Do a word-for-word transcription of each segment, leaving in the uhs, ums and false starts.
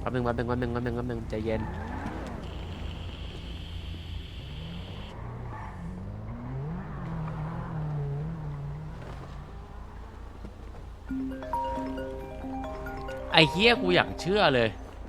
แป๊บนึงแป๊บนึงแป๊บนึงแป๊บนึงแป๊บนึงใจเย็นไอ้เฮียกูอยากเชื่อเลย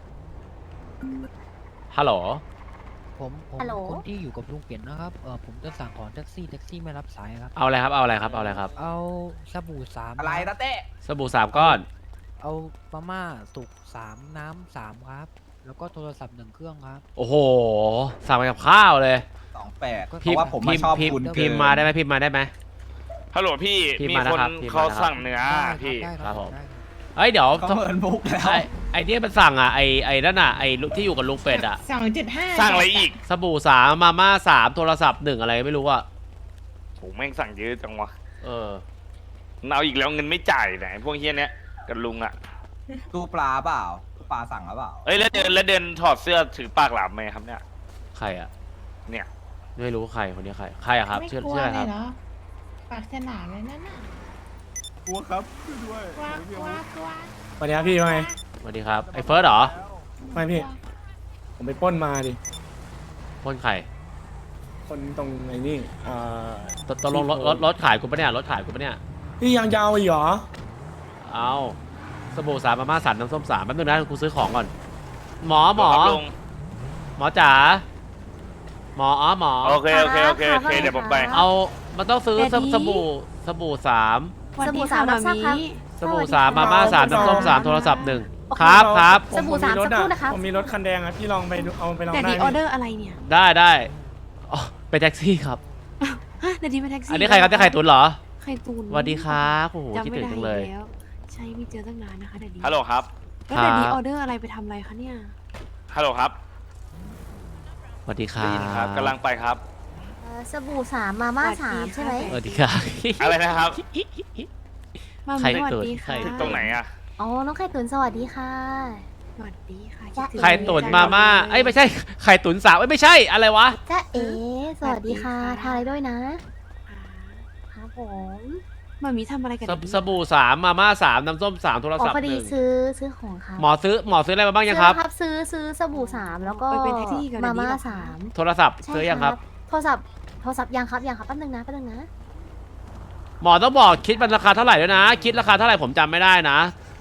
ฮัลโหลผมผมคนที่อยู่กับลุงเปลี่ยนนะครับเออผมจะสั่งของแท็กซี่แท็กซี่ไม่รับสายครับเอาอะไรครับเอาอะไรครับเอาอะไรครับเอาสบู่สามอะไรนะเต้สบู่สามก้อนเอามาม่าสุกสามน้ำสามครับแล้วก็โทรศัพท์หนึ่งเครื่องครับโอ้โหสั่งไปกับข้าวเลยสองแปดเพพิมราะว่าผมมาชอบพิมคุณพิมพ์มาได้ไหมพิมพ์มาได้ไหมฮัลโหลพี่พี่มีมานะคนครับพี่เขามานะครับสั่งเนื้อได้พี่ได้ครับผมได้เอ้ยเดี๋ยวเขาเหมือนบุกแล้วไอไอเนี่ยมันสั่งอ่ะไอไอนั่นอ่ะไอที่อยู่กับลุงเป็ดอ่ะสองจุดห้าสั่งอะไรอีกสบู่สามมาม่าสามโทรศัพท์หนึ่งอะไรไม่รู้อ่ะโหแม่งสั่งเยอะจังวะเออเอาอีกแล้วเงินไม่จ่ายไหนพวกเฮียเนี้ยกับลุงอ่ะตู้ปลาเปล่าตู้ปลาสั่งหรือเปล่าเอ้ยแล้วเดินแล้วเดินถอดเสื้อถือปากหลามไหมครับเนี่ยใครอ่ะเนี่ยไม่รู้ใครคนนี้ใครใครอะครับไม่ชื่อกลัวชื่ออะไรเลครัยบเหรอปากสนามเลยนั่นน่ะกลัวครับด้วยกลัวกลัวกลัวสวัสดีครับพี่ว่าไงสวัสดีครับไอเฟิร์สเหรอไม่พี่ ผมไปปล้นมาดิพ่นไข่คนตรงไอ้นี่เอ่อตตกลงรถรถรถขายกูปะเนี่ยรถขายกูปะเนี่ยพี่ยังยาวอีกเหรอเอาสบู่สามมาม่าสามน้ำส้มสามแป๊บนึงนะกูซื้อของก่อน หมอหมอครับลุงหมอจ๋าหมออ๋อหมอโอเคโอเคโอเคโอเคเดี๋ยวผมไปเอามันต้องซื้อสสบู่สบู่สามสบู่สามรับทราบครับสบู่สามมาม่าสามน้ำส้มสามโทรศัพท์หนึ่งโอเคครับครับผสบู่สามผสักครู่นะครับผมมีรถคันแดงอะพี่ลองไปดูเอาไปลองแต่ได้ดีไหอมอเดอร์อะไรเนี่ยได้ได้อ๋อเป็นแท็กซี่ครับฮะแต่ดีเป็นแท็กซี่อันนี้ใครครับที่ใครตุนเหรอใครตูนสวัสดีครับโอ้โหจำคิดไม่ถึงได้จังเลยแล้วใช่ไม่เจอตั้งนานนะคะแต่ดีฮัลโหลครับแล้วแต่ดีครับออเดอร์อะไรไปทำอะไรคะเนี่ยฮัลโหลครับสวัสดีครัได้ยินครับบกำลังไปครับเอ่อสบู่สามมาม่าสามใช่ไหมสวัสดีครับอะไรนะครับมาใครมีสวัสตูนดีใครค่ะตรงไหนอะอ๋อน้องไข่ตุ๋นสวัสดีค่ะสวัสดีค่ะคิดถึงไข่ตุ๋นมาม่าเอ้ยไม่ใช่ไข่ตุ๋นสาวเอ้ยไม่ใช่อะไรวะจ้าเอ๋สวัสดีค่ะทานอะไรด้วยนะครับผมมามีทำอะไรกันสบสบู่สามมาม่าสามน้ำส้มสามโทรอ๋อศัพท์พอหดีนึ่งซื้อซื้อของค่ะหมอซื้อหมอซื้ออะไรมาบ้างยังครับซื้อแล้วซื้อซื้อสบู่สามแล้วก็ไปเป็นแท็กซี่กับมาม่าเดี๋ยวนี้สามโทรศัพท์ใช่ซื้อยังครับโทรศัพท์โทรศัพท์ยังครับยังครับแป๊บนึงนะแป๊บนึงนะหมอต้องบอกคิดมันราคาเท่าไหร่ด้วยนะ คิดราคาเท่าไหร่ผมจำไม่ได้นะ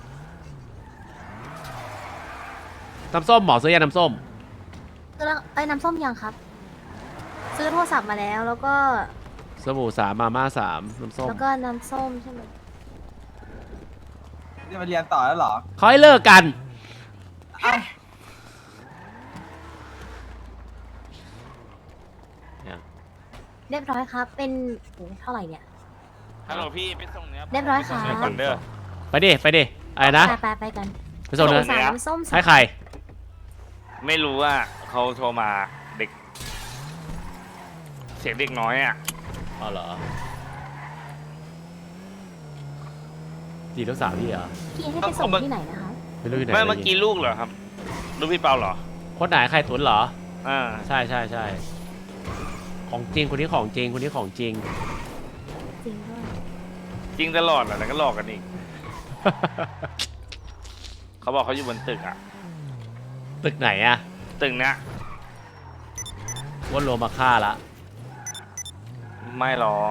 น้ำส้มหมอซื้อยังน้ำส้มซื้อแล้วไอ้ยน้ำส้มยังครับ ซื้อโทรศัพท์มาแล้วแล้วก็สบู่สามมาม่าสามน้ำส้มแล้วก็น้ำส้มใช่ไหมจะมาเรียนต่อแล้วเหรอเขาให้เลิกกันเอ้าเรียบร้อยครับ เป็นโอ้เท่าไหร่เนี่ยฮัลโหลพี่ไปส่งเนื้อเรียบร้อยค่ะไปส่งเนื้อก่อนเด้อไปดิไปดิอะไรนะไปไปไปกันไปส่งเนื้อสามน้ำส้มสามให้ใครไม่รู้ว่าเขาโทรมาเด็ก เสียงเด็กน้อยอ่ะอ๋อเหรอจีลูกสาวพี่เหรอพี่ให้ไปส่งที่ไหนนะคะไม่รู้อยู่ไหนไม่เมื่อกี้ลูกเหรอครับ ลูกพี่เปาเหรอคนไหนใครตุนเหรออ่าใช่ใช่ใช่ของจริงคนนี้ของจริงคนนี้ของจริงจริงด้วยจริงตลอดแหละแล้วก็หลอกกันอีก เขาบอกเขาอยู่บนตึกอ่ะตึกไหนอะตึกเนี้ยว่าโลมาฆ่าละไม่หรอก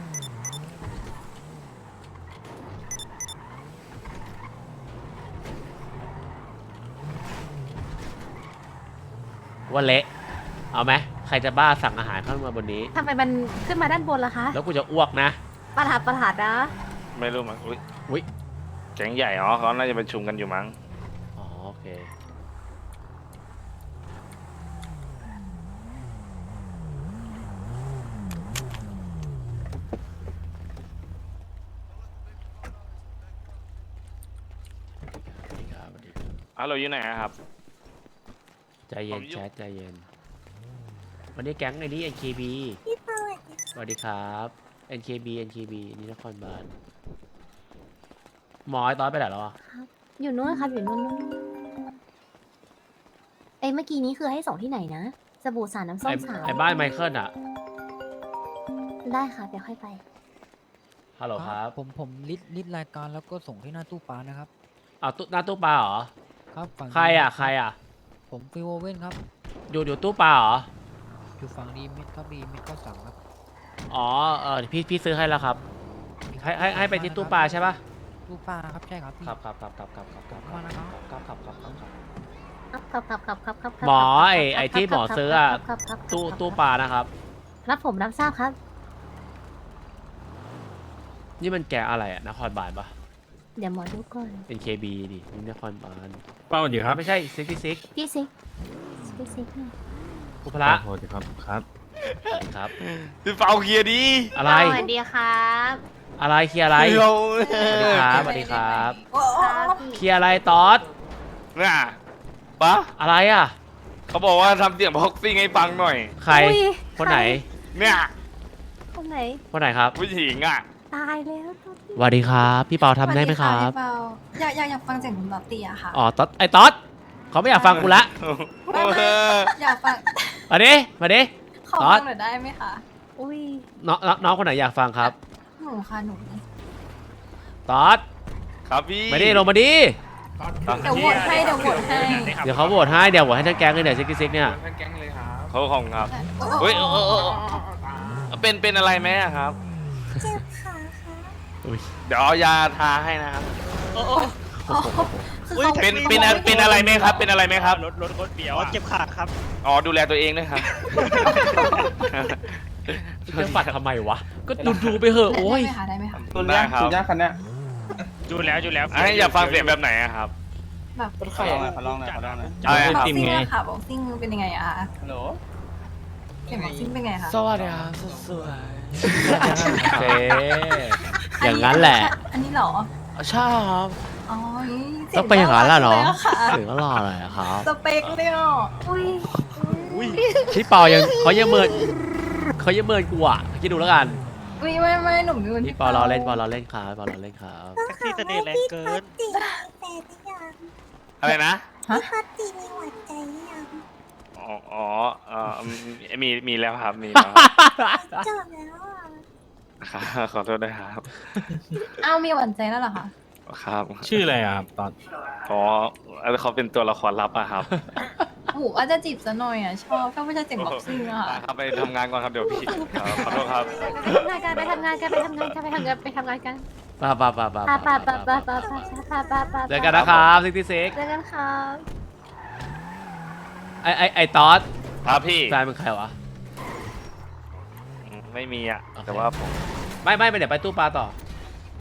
ว่าเละเอาไหมใครจะบ้าสั่งอาหารเข้ามาบนนี้ทำไมมันขึ้นมาด้านบนล่ะคะแล้วกูจะอ้วกนะประหลาดประหลาดนะไม่รู้มั้งอุ้ยอุ๊ยแก๊งใหญ่อ๋อเขาน่าจะประชุมกันอยู่มั้งอ๋อโอเค สวัสดีครับสวัสดีครับอ้าวเราอยู่ไหนอะครับใจเย็ผนมอยู่แชทใจเย็น วันนี้แก๊งไอ้นี่ เอ็น เค บี สวัสดีครับ เอ็น เค บี เอ็น เค บี นี่นครบาลหมอไอ้ตอนไปไหนแล้วอ่ะอยู่นู้นครับอยู่นู้นนู้นเอ้ยเมื่อกี้นี้คือให้ส่งที่ไหนนะสบู่สารน้ำส้ไอ้มสามไอ้บ้านไมเคิลอ่ะได้ค่ะเดี๋ยวค่อยไปฮัลโหลครับผมผมลิสต์ลิสต์รายการแล้วก็ส่งที่หน้าตู้ปลานะครับเอาวตู้หน้าตู้ปลาเหรอครับฝั่งใครอ่ะใครอ่ะผมฟิวโอเว่นครับอยู่อยู่ตู้ปลาเหรออยู่ฝั่งดีมิดครับดีมิดก็สั่งครับอ๋อเออพี่พี่ซื้อให้แล้วครับให้ให้ให้ไปที่ตู้ปลาใช่ปะตู้ปลาครับใช่ครับพี่ครับครับครับครับครับครับครับมานะครับครับครับครับครับครับครับครับครับครับครับครับหมอไอ้ไอ้ที่หมอซื้ออะครับครับครับตู้ตู้ปลานะครับรับผมรับทราบครับนี่มันแกะอะไรอ่ะนครบาลปะเดี๋ยวหมอดูก่อนเป็น เค บี ดินี่นครบาลป้าสวัสดีครับไม่ใช่ซิกซิกพี่ซิกพี่ซิกเนี่ยอุปละสวัสดีครับครับสวัสดีครับพี่เปาเคลียร์ดีอะไรสวัสดีครับอะไรเคลียร์อะไรเราสวัสดีครับสวัสดีครับครับพี่เคลียร์อะไรตอดเนี่ยปะอะไรอ่ะเขาบอกว่าทำเสียงบ็อกซิ่งให้ฟังหน่อยใครอุ๊ยคนไหนเนี่ยคนไหนคนไหนครับผู้หญิงอ่ะตายแล้วตอนสวัสดีครับ พี่เปาทำได้ไหมครับสวัสดีะพี่เปาอยากอยากอยากฟังเสียงคุณบ๊อบตี้อะค่ะอ๋อตอดไอ้ตอดเขาไม่อยากฟังกูละไม่ไม่อยากฟังมาดิมาดิขอตอฟัดงหน่อยได้ไหมคะอุ้ยน้องน้องน้องคนไหนอยากฟังครับหนูค่ะหนูตอดครับพี่มาดิลงมาดิเดี๋ยวโหวตให้เดี๋ยวโหวตให้เดี๋ยวเขาโหวตให้เดี๋ยวโหวตให้ทั้งแก๊งเลยเนี่ยซิกซิกเนี่ยเขาของครับโอ้เฮ้ยเออเออเออเป็นเป็นอะไรไหมอะครับเจ็บขาค่ะอุ้ยเดี๋ยวเอายาทาให้นะครับอ๋อคือเขาเป็นเป็นอะไรเป็นอะไรไหมครับ เป็นอะไรไหมครับรถรถรถเบียวเจ็บขาครับอ๋อดูแลตัวเองด้วยครับจะปัดทำไมวะ ก็ดูดูไปเหอะโอ้ยได้ไหมคะได้ไหมคะตัวได้เนี้ยครับตัวเนี้ยคันเนี้ยจูแล้วจูแล้วให้อยากฟังเสียงแบบไหนอะครับแบบขอลองหน่อยขอลองหน่อยขอลองหน่อยอะไรบ็อกครับซิ่งอะค่ะบ็อกซิ่งเป็นยังไงอะคะฮัลโหลเสียงบ็อกซิ่งเป็นไงคะสวัสดีครับสวยๆเจ๊อย่างนั้นแหละอันนี้เหรอใช่ครับอ๋อต้องไปอย่างนั้นล่ะเนาะค่ะถึงก็รอเลยอะครับสเปคเลยอ่ะอุ้ยพี่เปายังเขายังเมินเขายังเมินกูอ่ะคิดดูแล้วกันอุ้ยไม่ไม่หนุ่มนี่มันพี่เปาเราเล่นเปาเราเล่นครับเปาเราเล่นครับแท็กซี่เสน่ห์แรงเกินอะไรนะฮะอ๋ออ๋อเออมีมีแล้วครับ มีแล้วครับขอโทษด้วยครับอ้าวมีหวานใจแล้วเหรอคะครับชื่ออะไรอะครับตอนอ๋อเขาเป็นตัวละครลับอะครับโอ้โหอาจจะจีบซะหน่อยอ่ะ ชอบชอบไม่ใช่เสียงบ็อกซิ่งอะค่ะครับไปทำงานก่อนครับเดี๋ยวพี่ครับขอโทษครับไปทำงานกันไปทำงานกันไปทำงานกันไปทำงานกันป่าป่าป่าป่าปะปะปะปะปะปะปะปะปะเจอกันนะครับซิกซิกเจอกันครับไอไอไอตอสครับพี่แฟนเป็นใครวะไม่มีอะโอเคแต่ว่าผมไม่ไม่ไปเดี๋ยวไปตู้ปลาต่อ